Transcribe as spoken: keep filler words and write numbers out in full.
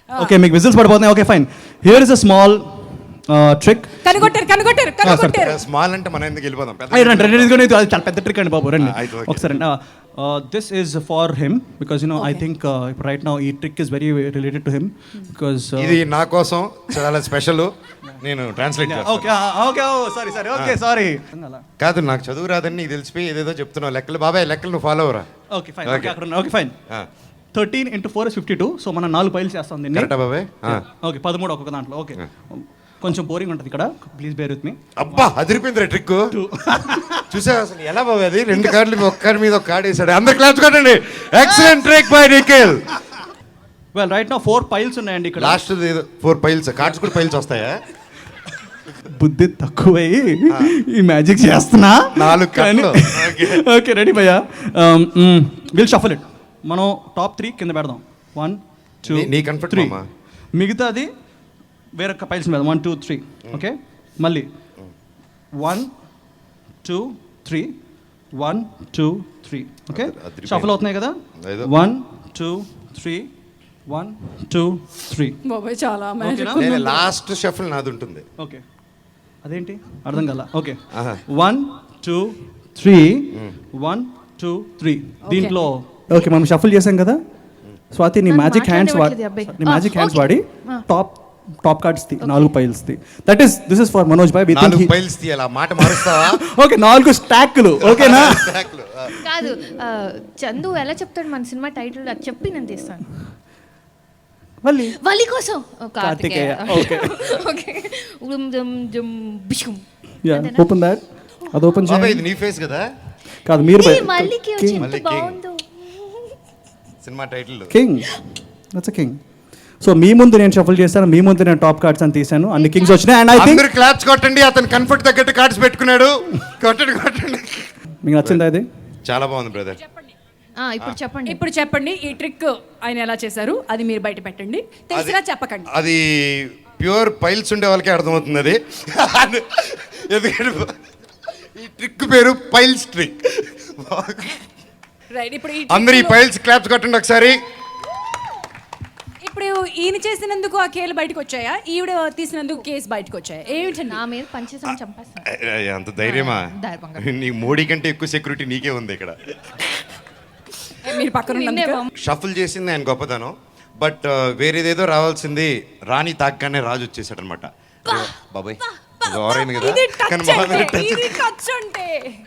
Okay మీకు whistles పడిపోతున్నాయి. Okay fine. Here is a small trick. కనుగొట్టారు కనుగొట్టారు కనుగొట్టారు. స్మాల్ అంటే మనం ఎందుకు వెళ్ళిపోదాం? రండి రండి ఇదిగోండి, ఇది చాలా పెద్ద ట్రిక్ అండి బాబు, రండి అయితే ఓకే. ఒకసారి. This is for him because you know I think right now ఈ trick is very related to him because ఇది నా కోసం చాలా స్పెషల్. నేను ట్రాన్స్లేట్ చేస్తాను. Okay okay sorry sorry okay sorry. కాదు, నాకు చదువు రాదని నీకు తెలిసిపోయి ఏదేదో చెప్తున్నావు లెక్కలు. బాబాయ్ లెక్కలు నువ్వు ఫాలో అవరా? ఓకే ఫైన్ ఓకే అక్కడ okay fine. Thirteen into four is fifty two. So మనం నాలుగు పైలు చేస్తాం దీన్ని. కరెక్టా బాబాయ్? ఓకే పదమూడు ఒక్కొక్క దాంట్లో. ఓకే కొంచెం బోరింగ్ ఉంటుంది ఇక్కడ, ప్లీజ్ బేర్ విత్ మీ. అబ్బా అదిరిపోయింది ట్రిక్. చూసా అసలు ఎలా బాబాయ్ అది? రెండు కార్డులు ఒక్క కార్డు మీద ఒక కార్డు వేసాడు. అందరు క్లాప్స్ కొట్టండి. Excellent trick by Nikhil. Well right now four piles ఉన్నాయండి ఇక్కడ. లాస్ట్ ఫోర్ పైల్స్ కార్డ్స్ కూడా పైల్స్ వస్తాయా? బుద్ధి తక్కువై ఈ మ్యాజిక్ చేస్తున్నా. నాలుగు కార్డులు. ఓకే రెడీ భయ్యా. Will shuffle it. మనం టాప్ త్రీ కింద పెడదాం. వన్ టూ నీ కంఫర్ట్ త్రీ. మామా. మిగతాది వేరే పైల్స్ మీద వన్ టూ త్రీ. ఓకే మళ్ళీ one two three one two three. Okay shuffle అవుతున్నాయి కదా. One two three one two three. బాబాయ్ చాలా లాస్ట్ షఫల్ నాది ఉంటుంది. ఓకే అదేంటి అర్థం కదా. Okay one two three one two three. దీంట్లో ఓకే మనం షఫల్ చేసాం కదా. స్వాతి నీ మ్యాజిక్ హ్యాండ్స్ వాడి నీ మ్యాజిక్ హ్యాండ్స్ వాడి టాప్ టాప్ కార్డ్స్ ది నాలుగు piles the. That is this is for Manoj bhai. నాలుగు పైల్స్ తీయాలి. ఆ మాట మారుస్తావా? ఓకే నాలుగు స్టాక్లు. ఓకేనా? కాదు చందు ఎలా చెప్తాడు మన సినిమా టైటిల్ అది చెప్పి నేను తీస్తాను. వల్లి వల్లి కోసం కార్తికేయ. ఓకే ఓకే ఉమ్ జమ్ జమ్ బిషుం. Yeah open that. అది ఓపెన్ బాబాయ్ చేయండి. ఇది నీ ఫేస్ కదా? కాదు మీరు ఈ మల్లికి వచ్చి ఎంత మల్లికి. బాగుందో cinema title king. That's a king. So మీ ముందు నేను షఫల్ చేశాను, మీ ముందు నేను టాప్ కార్డ్స్ అని తీసాను. అన్ని కింగ్స్ వచ్చినాయి. అండ్ ఐ థింక్ అందరూ క్లాప్స్ కొట్టండి. అతను కంఫర్ట్ తగ్గట్టు కార్డ్స్ పెట్టుకున్నాడు. కొట్టండి కొట్టండి. మీకు నచ్చిందా ఇది? చాలా బాగుంది బ్రదర్. ఆ ఇప్పుడు చెప్పండి. ఇప్పుడు చెప్పండి ఈ ట్రిక్ ఆయన ఎలా చేశారు అది మీరు బయట పెట్టండి. తెలిసినా చెప్పకండి. అది ప్యూర్ పైల్స్ ఉండే వాళ్ళకే అర్థమవుతుంది అది. ఎందుకంటే ఈ ట్రిక్ పేరు పైల్స్ ట్రిక్. రైట్ ఇప్పుడు ఈ అందరు ఈ trick లో- పైల్స్ క్లాప్స్ కొట్టండి ఒకసారి. ఇప్పుడు ఈయన చేసినందుకు ఆ కేలు బయటకు వచ్చాయా, ఈవిడ తీసినందుకు కేసు బయటకు వచ్చాయా? ఏమిటండి నా మీద పంచేసం చంపేస్తాను. అయ్, అంత ధైర్యమా? ధైర్యంగా. నీ మోడీ కంటే ఎక్కువ సెక్యూరిటీ నీకే ఉంది ఇక్కడ. మీరు పక్కన ఉన్నందుకు? షఫుల్ చేసింది ఆయన గొప్పతనం. బట్ వేరేదేదో రావాల్సింది రాణి తాగ్గానే రాజు వచ్చేసాడు అనమాట. బాబాయ్ ఓవరైంది కదా. ఇది కానీ టచ్ మా మీద అంటే touch. ఇది టచ్ అంటే